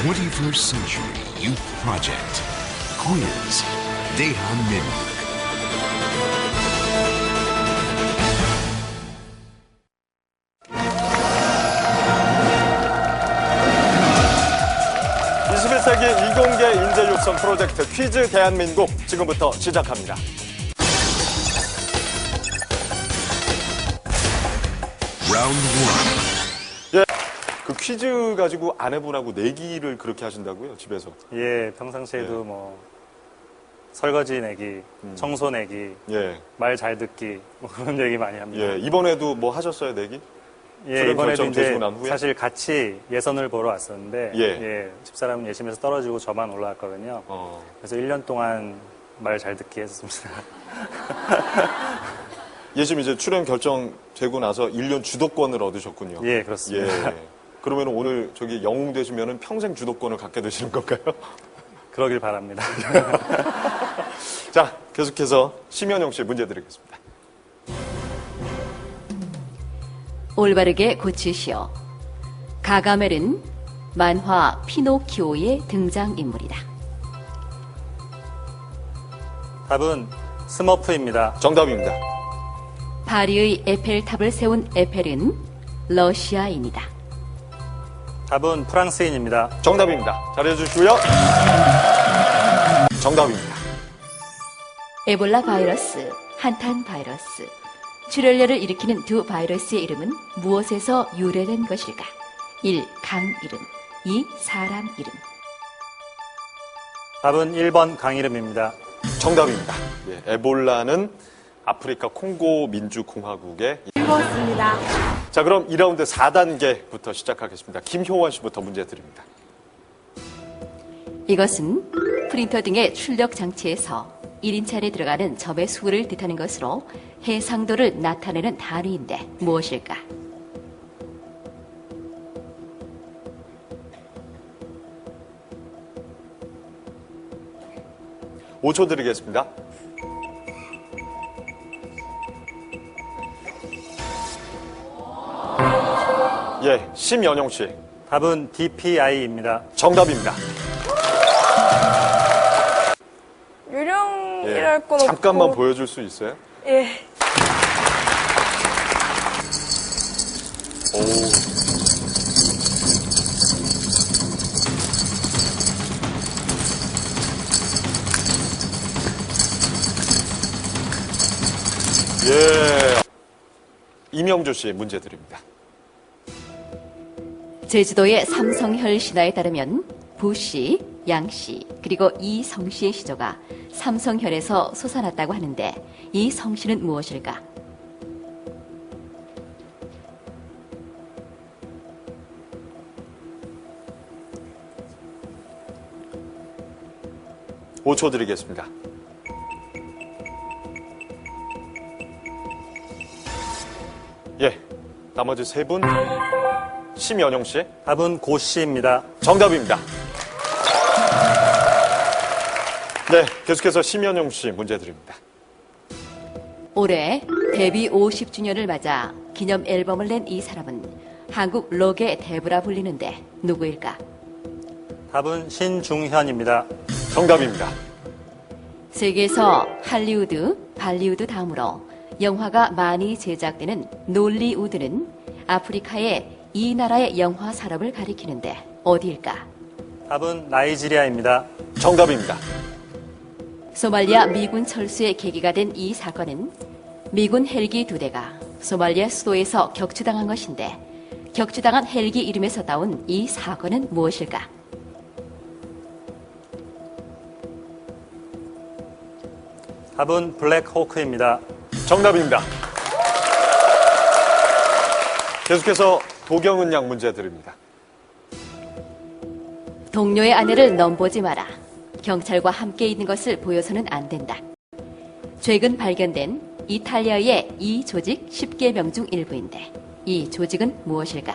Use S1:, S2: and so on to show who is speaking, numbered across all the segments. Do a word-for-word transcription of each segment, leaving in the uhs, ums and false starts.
S1: twenty-first Century Youth Project. Quiz. 대한민국.
S2: 이십일 세기 이공계 인재 육성 프로젝트 퀴즈 대한민국 지금부터 시작합니다.
S1: Round one.
S2: 예, 그 퀴즈 가지고 아내분하고 내기를 그렇게 하신다고요, 집에서?
S3: 예, 평상시에도
S2: 예.
S3: 뭐 설거지 내기,
S2: 음.
S3: 청소 내기,
S2: 예,
S3: 말 잘 듣기 뭐 그런 얘기 많이 합니다.
S2: 예. 이번에도 뭐 하셨어요, 내기?
S3: 예,
S2: 출연
S3: 이번에도
S2: 결정
S3: 이제
S2: 되시고 난 후에?
S3: 사실 같이 예선을 보러 왔었는데
S2: 예.
S3: 예, 집사람은 예심에서 떨어지고 저만 올라왔거든요.
S2: 어.
S3: 그래서 일 년 동안 말 잘 듣기 했습니다.
S2: 예심 이제 출연 결정되고 나서 일 년 주도권을 얻으셨군요.
S3: 예, 그렇습니다.
S2: 예. 그러면 오늘 저기 영웅 되시면 평생 주도권을 갖게 되시는 건가요?
S3: 그러길 바랍니다.
S2: 자, 계속해서 심현영 씨 문제 드리겠습니다.
S4: 올바르게 고치시오. 가가멜은 만화 피노키오의 등장인물이다.
S3: 답은 스머프입니다.
S2: 정답입니다.
S4: 파리의 에펠탑을 세운 에펠은 러시아인이다.
S3: 답은 프랑스인입니다.
S2: 정답입니다. 잘해주시고요. 정답입니다.
S4: 에볼라 바이러스, 한탄 바이러스, 출혈열을 일으키는 두 바이러스의 이름은 무엇에서 유래된 것일까? 일. 강 이름, 이. 사람 이름.
S3: 답은 일 번 강이름입니다.
S2: 정답입니다. 예, 에볼라는 아프리카 콩고 민주공화국의
S5: 읽었습니다.
S2: 자, 그럼 이 라운드 사 단계부터 시작하겠습니다. 김효원 씨부터 문제 드립니다.
S4: 이것은 프린터 등의 출력 장치에서 일 인치 안에 들어가는 점의 수를 뜻하는 것으로 해상도를 나타내는 단위인데 무엇일까?
S2: 오 초 드리겠습니다. 예, 심연용 씨.
S3: 답은 디피아이입니다.
S2: 정답입니다.
S5: 유령이랄 건 없고.
S2: 잠깐만 보여줄 수 있어요?
S5: 예.
S2: 오. 예. 이명주 씨 문제 드립니다.
S4: 제주도의 삼성혈 신화에 따르면 부씨, 양씨, 그리고 이 성씨의 시조가 삼성혈에서 솟아났다고 하는데 이 성씨는 무엇일까?
S2: 오 초 드리겠습니다. 예, 나머지 세 분. 심연용 씨.
S3: 답은 고씨입니다.
S2: 정답입니다. 네, 계속해서 심연용 씨 문제 드립니다.
S4: 올해 데뷔 오십 주년을 맞아 기념 앨범을 낸 이 사람은 한국 록의 대부라 불리는데 누구일까?
S3: 답은 신중현입니다.
S2: 정답입니다.
S4: 세계에서 할리우드, 발리우드 다음으로 영화가 많이 제작되는 놀리우드는 아프리카의 이 나라의 영화 산업을 가리키는데 어디일까?
S3: 답은 나이지리아입니다.
S2: 정답입니다.
S4: 소말리아 미군 철수의 계기가 된 이 사건은 미군 헬기 두 대가 소말리아 수도에서 격추당한 것인데 격추당한 헬기 이름에서 따온 이 사건은 무엇일까?
S3: 답은 블랙호크입니다.
S2: 정답입니다. 계속해서 도경은 양 문제 드립니다.
S4: 동료의 아내를 넘보지 마라. 경찰과 함께 있는 것을 보여서는 안 된다. 최근 발견된 이탈리아의 이 조직 십 개 명 중 일부인데 이 조직은 무엇일까?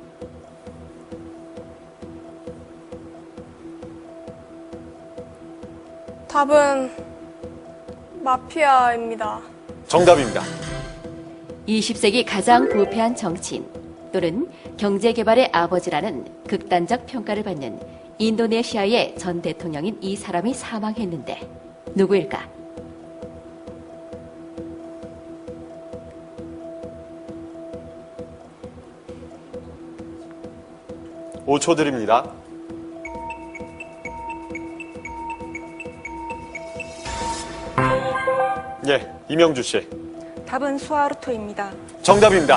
S5: 답은 마피아입니다.
S2: 정답입니다.
S4: 이십 세기 가장 부패한 정치인 또는 경제개발의 아버지라는 극단적 평가를 받는 인도네시아의 전 대통령인 이 사람이 사망했는데 누구일까?
S2: 오 초 드립니다. 예, 이명주 씨.
S5: 답은 수하루토입니다.
S2: 정답입니다.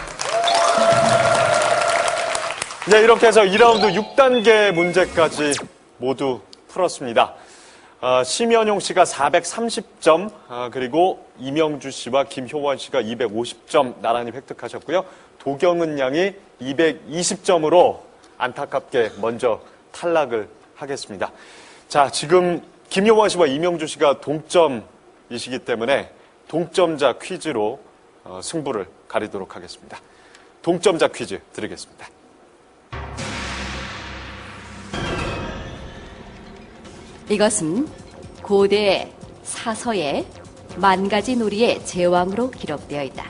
S2: 네, 이렇게 해서 이 라운드 육 단계 문제까지 모두 풀었습니다. 어, 심연용 씨가 사백삼십 점, 어, 그리고 이명주 씨와 김효원 씨가 이백오십 점 나란히 획득하셨고요. 도경은 양이 이백이십 점으로 안타깝게 먼저 탈락을 하겠습니다. 자, 지금 김효원 씨와 이명주 씨가 동점이시기 때문에 동점자 퀴즈로 어, 승부를 가리도록 하겠습니다. 동점자 퀴즈 드리겠습니다.
S4: 이것은 고대 사서의 만가지 놀이의 제왕으로 기록되어 있다.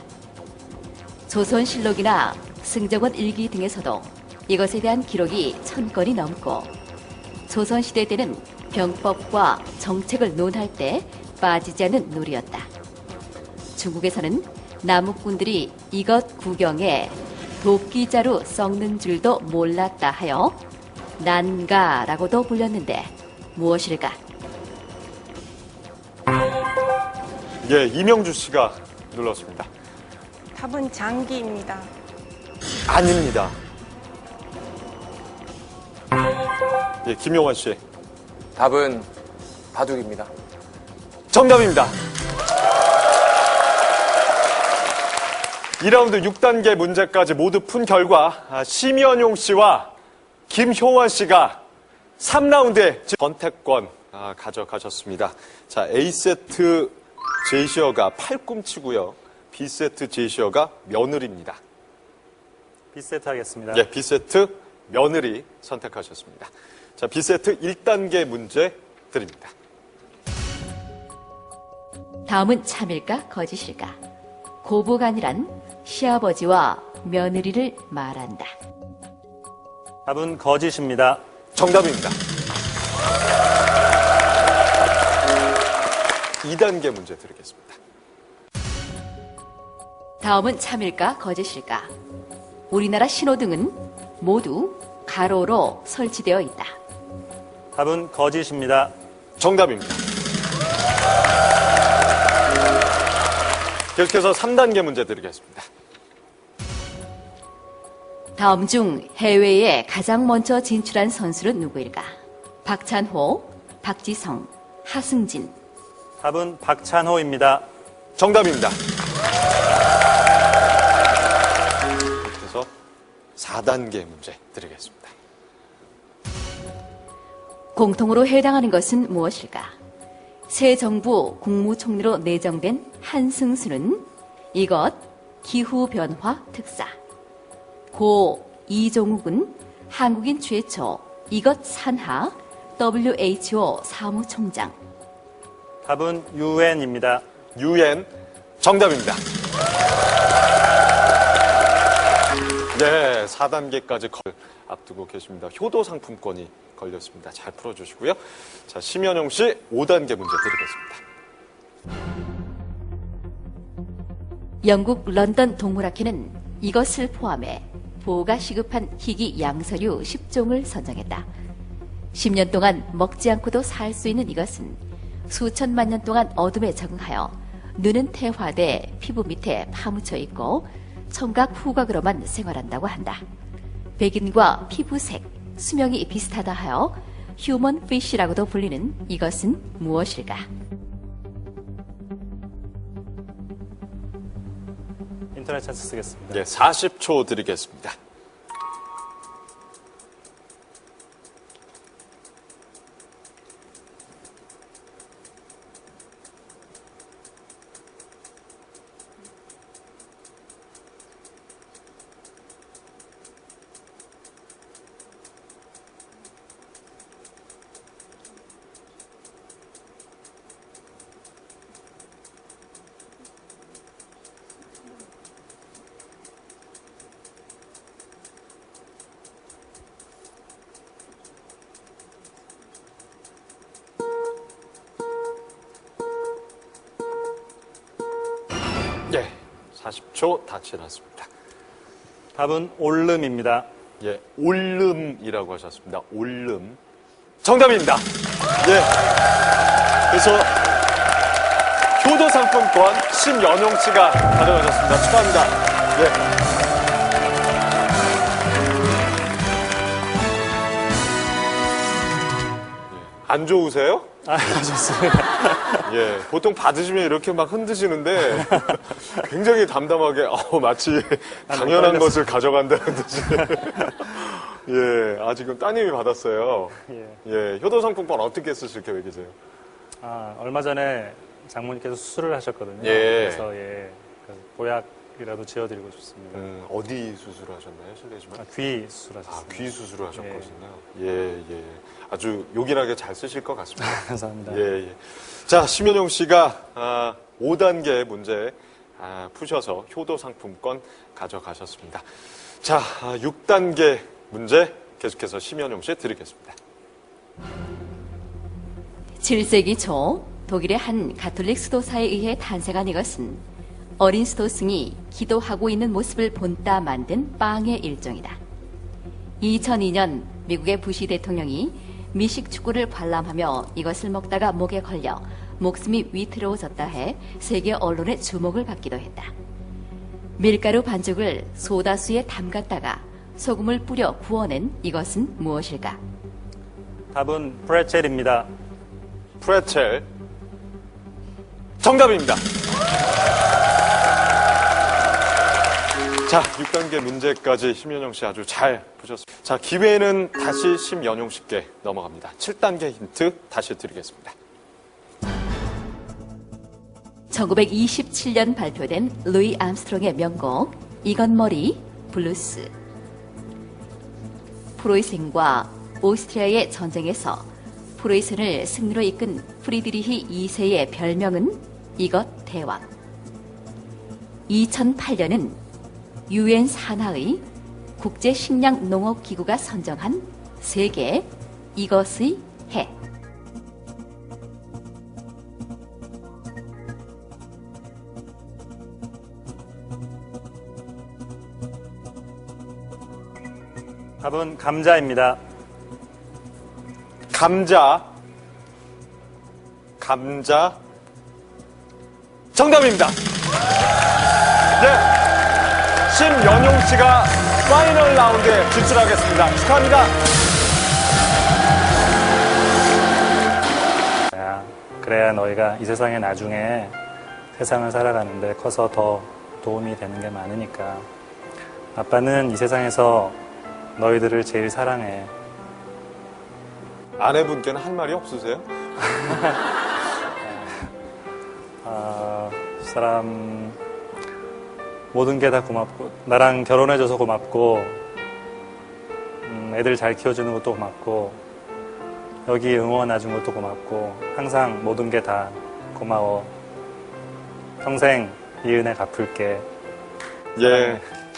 S4: 조선실록이나 승정원 일기 등에서도 이것에 대한 기록이 천 건이 넘고 조선시대 때는 병법과 정책을 논할 때 빠지지 않는 놀이였다. 중국에서는 남욱군들이 이것 구경에 도끼자루 썩는 줄도 몰랐다 하여 난가라고도 불렸는데 무엇일까?
S2: 예, 이명주 씨가 눌렀습니다.
S5: 답은 장기입니다.
S2: 아닙니다. 예, 김용원 씨.
S6: 답은 바둑입니다.
S2: 정답입니다. 이 라운드 육 단계 문제까지 모두 푼 결과 아, 심연용 씨와 김효원 씨가 삼 라운드의 선택권 아, 가져가셨습니다. 자, A세트 제시어가 팔꿈치고요. B세트 제시어가 며느리입니다.
S3: B세트 하겠습니다.
S2: 예, B세트 며느리 선택하셨습니다. 자, B세트 일 단계 문제 드립니다.
S4: 다음은 참일까 거짓일까? 고부간이란 시아버지와 며느리를 말한다.
S3: 답은 거짓입니다.
S2: 정답입니다. 이 단계 문제 드리겠습니다.
S4: 다음은 참일까 거짓일까? 우리나라 신호등은 모두 가로로 설치되어 있다.
S3: 답은 거짓입니다.
S2: 정답입니다. 계속해서 삼 단계 문제 드리겠습니다.
S4: 다음 중 해외에 가장 먼저 진출한 선수는 누구일까? 박찬호, 박지성, 하승진.
S3: 답은 박찬호입니다.
S2: 정답입니다. 그래서 사 단계 문제 드리겠습니다.
S4: 공통으로 해당하는 것은 무엇일까? 새 정부 국무총리로 내정된 한승수는 이것 기후변화 특사. 고 이종욱은 한국인 최초 이것 산하 더블유에이치오 사무총장.
S3: 답은 유엔입니다.
S2: 유엔 정답입니다. 네, 사 단계까지 걸 앞두고 계십니다. 효도 상품권이 걸렸습니다. 잘 풀어주시고요. 자, 심연용 씨 오 단계 문제 드리겠습니다.
S4: 영국 런던 동물학회는 이것을 포함해 보호가 시급한 희귀 양서류 십 종을 선정했다. 십 년 동안 먹지 않고도 살 수 있는 이것은 수천만 년 동안 어둠에 적응하여 눈은 태화돼 피부 밑에 파묻혀 있고 청각 후각으로만 생활한다고 한다. 백인과 피부색, 수명이 비슷하다 하여 휴먼 피쉬라고도 불리는 이것은 무엇일까?
S3: 인터넷 찬스 쓰겠습니다.
S2: 네, 사십 초 드리겠습니다. 예, 사십 초 다 지났습니다.
S3: 답은 올름입니다.
S2: 예, 올름이라고 하셨습니다. 올름. 정답입니다. 예. 그래서 효도 상품권 심연용 씨가 가져가셨습니다. 축하합니다. 예. 안 좋으세요?
S3: 아, 좋습니다.
S2: 예, 보통 받으시면 이렇게 막 흔드시는데 굉장히 담담하게 어, 마치 당연한 것을 가져간다는 듯이 예, 아 지금 따님이 받았어요.
S3: 예.
S2: 예, 효도 상품권 어떻게 쓰실 계획이세요?
S3: 아, 얼마 전에 장모님께서 수술을 하셨거든요.
S2: 예.
S3: 그래서 예, 그 보약이라도 지어드리고 싶습니다.
S2: 음, 어디 수술하셨나요, 실례지만?
S3: 아, 귀
S2: 아,
S3: 수술하셨습니다.
S2: 귀 수술을 하셨거든요. 예, 예. 아주 요긴하게 잘 쓰실 것 같습니다.
S3: 감사합니다.
S2: 예, 예. 자, 심연용 씨가 아, 오 단계 문제 아, 푸셔서 효도 상품권 가져가셨습니다. 자, 아, 육 단계 문제 계속해서 심연용 씨 드리겠습니다.
S4: 칠 세기 초 독일의 한 가톨릭 수도사에 의해 탄생한 이것은 어린 수도승이 기도하고 있는 모습을 본따 만든 빵의 일종이다. 이천이 년 미국의 부시 대통령이 미식 축구를 관람하며 이것을 먹다가 목에 걸려 목숨이 위태로워졌다 해 세계 언론의 주목을 받기도 했다. 밀가루 반죽을 소다수에 담갔다가 소금을 뿌려 구워낸 이것은 무엇일까?
S3: 답은 프레첼입니다.
S2: 프레첼. 정답입니다. 자, 육 단계 문제까지 심연용 씨 아주 잘 푸셨습니다. 자, 기회는 다시 심연용 씨께 넘어갑니다. 칠 단계 힌트 다시 드리겠습니다.
S4: 천구백이십칠 년 발표된 루이 암스트롱의 명곡 이건 머리 블루스. 프로이센과 오스트리아의 전쟁에서 프로이센을 승리로 이끈 프리드리히 이 세의 별명은 이것 대왕. 이천팔 년은 유엔 산하의 국제식량농업기구가 선정한 세계 이것의 해.
S3: 답은 감자입니다.
S2: 감자. 감자. 정답입니다. 네. 심연용 씨가 파이널 라운드에 진출하겠습니다. 축하합니다.
S3: 야, 그래야 너희가 이 세상에 나중에 세상을 살아가는데 커서 더 도움이 되는 게 많으니까. 아빠는 이 세상에서 너희들을 제일 사랑해.
S2: 아내분께는 할 말이 없으세요?
S3: 아, 사람 모든 게 다 고맙고 나랑 결혼해줘서 고맙고 음, 애들 잘 키워주는 것도 고맙고 여기 응원해준 것도 고맙고 항상 모든 게 다 고마워. 평생 이 은혜 갚을게.
S2: 예.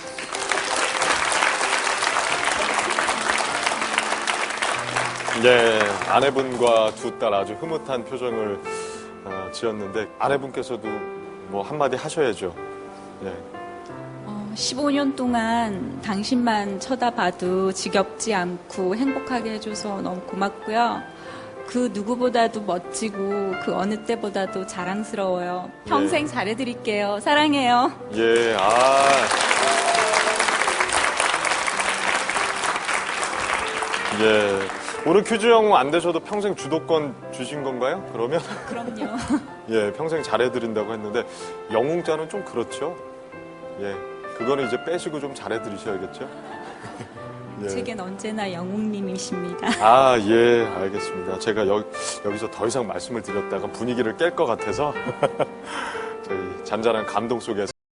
S2: 네, 아내분과 두 딸 아주 흐뭇한 표정을 어, 지었는데 아내분께서도 뭐 한마디 하셔야죠. 예.
S7: 어, 십오 년 동안 당신만 쳐다봐도 지겹지 않고 행복하게 해줘서 너무 고맙고요. 그 누구보다도 멋지고 그 어느 때보다도 자랑스러워요. 평생
S2: 예.
S7: 잘해드릴게요. 사랑해요.
S2: 예, 아. 예. 오늘 퀴즈 영웅 안 되셔도 평생 주도권 주신 건가요? 그러면?
S7: 그럼요.
S2: 예, 평생 잘해드린다고 했는데, 영웅자는 좀 그렇죠? 예. 그거는 이제 빼시고 좀 잘해드리셔야겠죠? 예.
S7: 제겐 언제나 영웅님이십니다.
S2: 아, 예, 알겠습니다. 제가 여, 여기서 더 이상 말씀을 드렸다가 분위기를 깰 것 같아서, 저희 잔잔한 감동 속에서